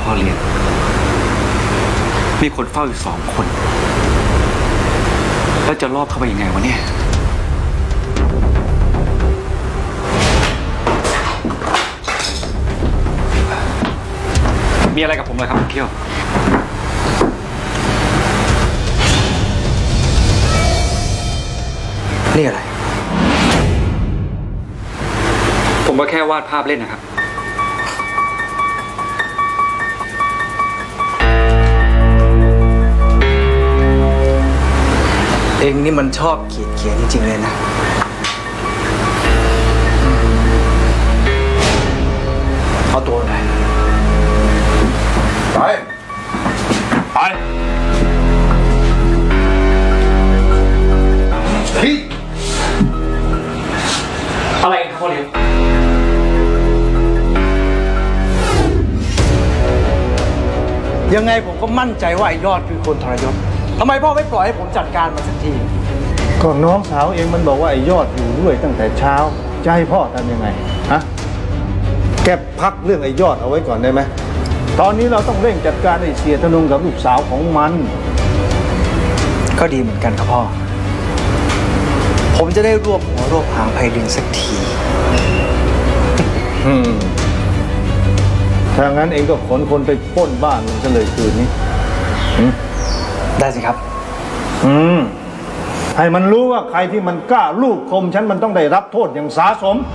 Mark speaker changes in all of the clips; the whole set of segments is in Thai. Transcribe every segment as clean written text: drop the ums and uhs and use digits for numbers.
Speaker 1: พ่อเลี้ยงมีคนเฝ้าอยู่2 คนแล้วจะรอบเข้าไปยังไงวะเนี่ยมีอะไรกับผมเลยครับเขี้ยวนี่อะไรผมก็แค่วาดภาพเล่นนะครับ
Speaker 2: เองนี่มันชอบเขียนจริงๆเลยนะเอาตัวไหนไป
Speaker 1: อะไรกันครับพ่อเลี้ยง
Speaker 2: ยังไงผมก็มั่นใจว่าไอ้ยอดคือคนทรยศทำไมพ่อไม่ปล่อยให้ผมจัดการมันสักที
Speaker 3: ก็น้องสาวเองมันบอกว่าไอ้ยอดอยู่ด้วยตั้งแต่เช้าจะให้พ่อทำยังไงฮะแกพักเรื่องไอ้ยอดเอาไว้ก่อนได้ไหมตอนนี้เราต้องเร่งจัดการไอ้เสียธนงกับลูกสาวของมัน
Speaker 2: ก็ดีเหมือนกันครับพ่อผมจะได้รวบหัวรวบหางไพลินสักที
Speaker 3: ถ้างั้นเองก็ขนคนไปปล้นบ้านมันซะเลยคืนนี้
Speaker 2: ได้สิครับ
Speaker 3: ให้มันรู้ว่าใครที่มันกล้าลูกคมฉันมันต้องได้รับโทษอย่างสาสม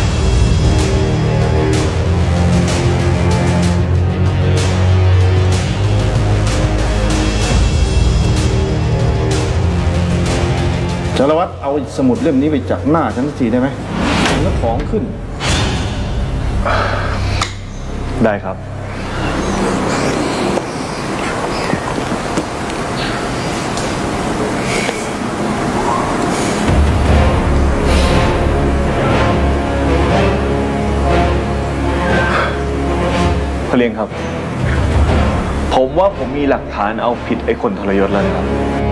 Speaker 3: สารวัตรเอาสมุดเล่มนี้ไปจากหน้าฉันสักทีได้ไหมแล้วของขึ้น
Speaker 4: ได้ครับพ่อเลี้ยงครับผมว่าผมมีหลักฐานเอาผิดไอ้คนทรยศแล้วนะครับ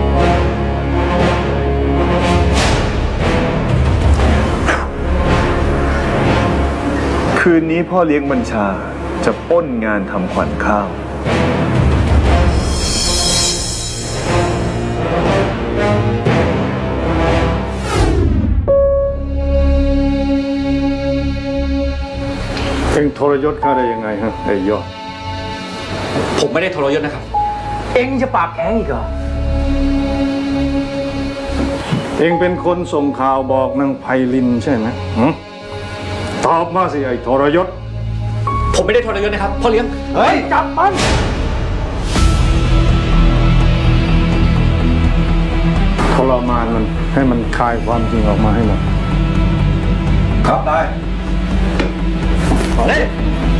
Speaker 4: คืนนี้พ่อเลี้ยงบัญชาจะปล้นงานทำขวัญข้าว
Speaker 3: เอ็งทรยศข้าได้ยังไงฮะไอ้ยอด
Speaker 1: ผมไม่ได้ทรยศนะครับ
Speaker 2: เองจะปากแข็งอีกเหรอ
Speaker 3: เอ็งเป็นคนส่งข่าวบอกนางไพลินใช่ไหมตอบมาสิไอ้ทรยศ
Speaker 1: ผมไม่ได้ทรยศนะครับพ่อเลี้ยง
Speaker 2: เฮ้ยจับมัน
Speaker 3: ทรมานมันให้มันคายความจริงออกมาให้หมด
Speaker 2: ครับได้ขอเลย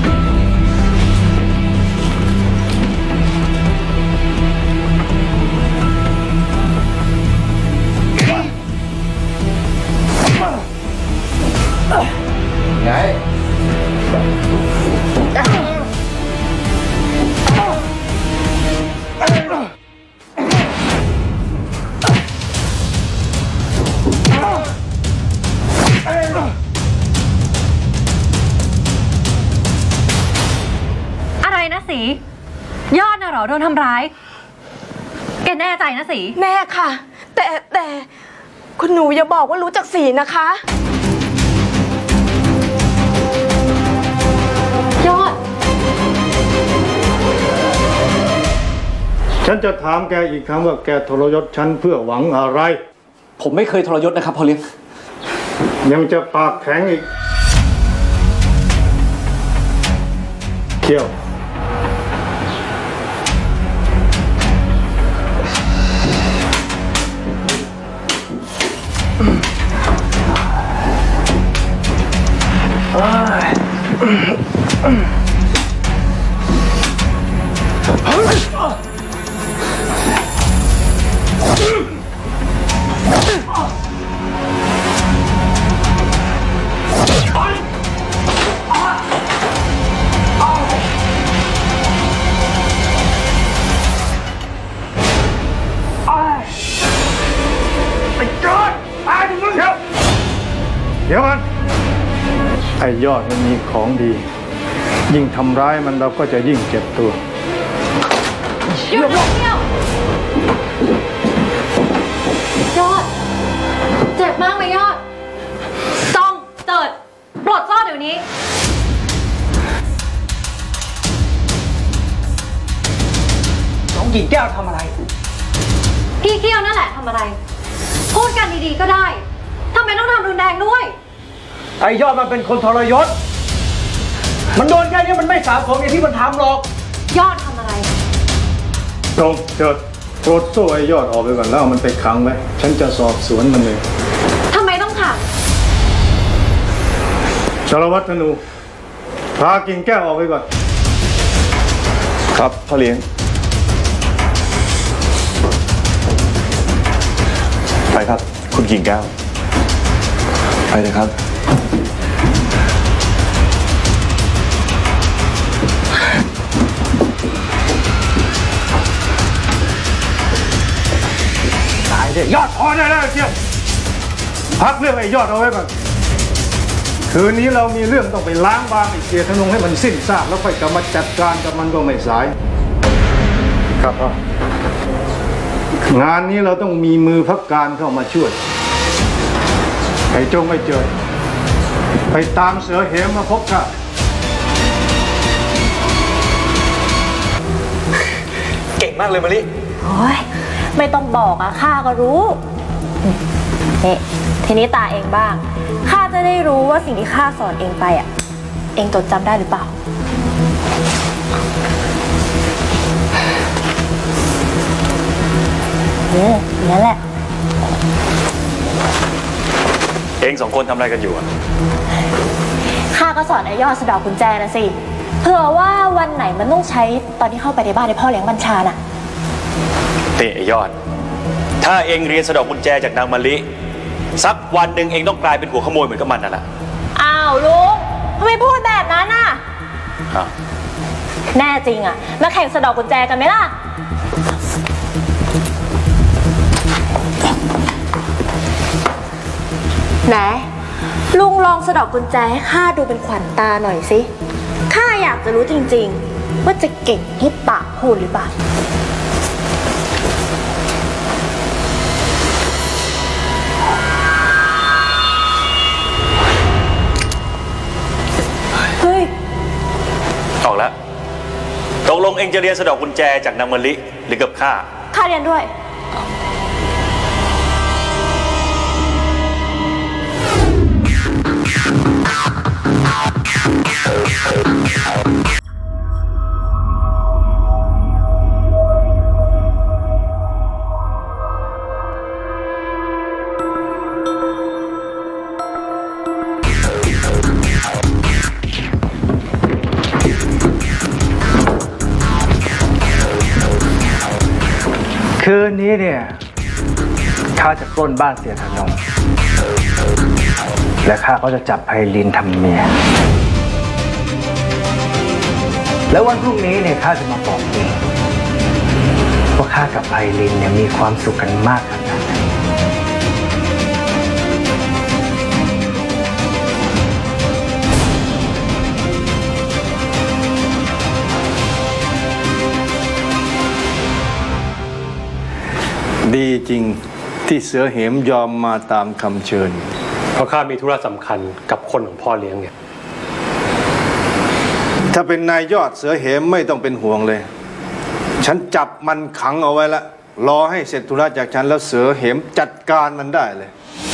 Speaker 2: ไง
Speaker 5: อะไรนะสียอดน่ะเหรอโดนทำร้ายแกแน่ใจนะสี
Speaker 6: แน่ค่ะแต่คุณหนูอย่าบอกว่ารู้จักสีนะคะ
Speaker 5: ยอด
Speaker 3: ฉันจะถามแกอีกครั้งว่าแกทรยศฉันเพื่อหวังอะไร
Speaker 1: ผมไม่เคยทรยศนะครับพ่อเลี้ยง
Speaker 3: ยังจะปากแข็งอีกเขี้ยวเดี๋ยวมันไอ้ยอดมันมีของดียิ่งทำร้ายมันเราก็จะยิ่งเจ็บตัว
Speaker 5: หยุดเลยเที่ยว ยอด เจ็บมากไหมยอดจ้องเจิดปลดซ่อนเดี๋ยวนี้
Speaker 2: น้องหญิงแก้วทำอะไร
Speaker 5: พี่เกี้ยวนั่นแหละทำอะไร พูดกันดีๆก็ได้ทำไมต้องทำรุนแรงด้วย
Speaker 2: ไอ้ยอดมันเป็นคนทรยศ มันโดนแค่นี้มันไม่สาสมอย่างที่มันทำหรอก
Speaker 5: ยอดทำอะไร
Speaker 3: ตรงเจิดโปรดโซ่ไอ้ยอดออกไปก่อนแล้วเอามันไปขังไว้ ฉันจะสอบสวนมันเลย
Speaker 5: ทำไมต้องขัง
Speaker 3: สารวัตรธนู พากิ่งแก้วออกไปก่อน
Speaker 4: ครับพ่อเลี้ยง ไปครับ คุณกิ่งแก้ว ไปเลยครับ
Speaker 2: ตายเลยยอด
Speaker 3: พอได้แล้วเชียวพักเรื่องไอ้ยอดเอาไว้ก่อน คืนนี้เรามีเรื่องต้องไปล้างบางไอ้เสียธนงให้มันสิ้นซากแล้วค่อยกลับมาจัดการกับมันก็ไม่สาย ครับพ่องานนี้เราต้องมีมือพักการเข้ามาช่วยไอ้จงไม่เจอ ไปตามเสือเหมมาพบข้า
Speaker 1: เก่งมากเลยมะลิ
Speaker 7: โอ้ยไม่ต้องบอกอะข้าก็รู้นี่ทีนี้ตาเองบ้างข้าจะได้รู้ว่าสิ่งที่ข้าสอนเองไปอะเองจดจำได้หรือเปล่านั่นแหละ
Speaker 1: เองสองคนทำอะไรกันอยู่อะ
Speaker 7: ข้าก็สอนไอ้ยอดสะเดอกกุญแจนะสิเผื่อว่าวันไหนมันต้องใช้ตอนที่เข้าไปในบ้านในพ่อเลี้ยงบัญชาน่ะ
Speaker 1: นี่ไอ้ยอด ถ้าเองเรียนสะดอกกุญแจจากนางมะลิ สักวันหนึ่งเองต้องกลายเป็นหัวขโมยเหมือนกับมันนั่นแหละ
Speaker 7: อ้าวลุงทำไมพูดแบบนั้นน่ะ
Speaker 1: อ้าว
Speaker 7: แน่จริงอะมาแข่งสะเดอกกุญแจกันไหมล่ะไหนลุงลองสะเดอกกุญแจให้ข้าดูเป็นขวัญตาหน่อยสิข้าอยากจะรู้จริงๆว่าจะเก่งที่ปากพูดหรือเปล่าเฮ้ย
Speaker 1: ออกแล้วตกลงเองจะเรียนสะดอกกุญแจจากนางมะลิหรือกับข้า
Speaker 7: ข้าเรียนด้วย
Speaker 2: คืนนี้เนี่ยข้าจะปล้นบ้านเสียธนงและข้าก็จะจับไพลินทำเมีย แล้ววันพรุ่งนี้เนี่ยข้าจะมาบอกเองว่าข้ากับไพลินเนี่ยมีความสุขกันมากขนาดไหน
Speaker 3: ดีจริงที่เสือเหมยอมมาตามคำเชิญ
Speaker 8: เพราะข้ามีธุระสำคัญกับคนของพ่อเลี้ยงเนี่ย
Speaker 3: ถ้าเป็นนายยอดเสือเหมไม่ต้องเป็นห่วงเลย ฉันจับมันขังเอาไว้ละรอให้เสร็จธุระจากฉันแล้วเสือเหมจัดการมันได้เลย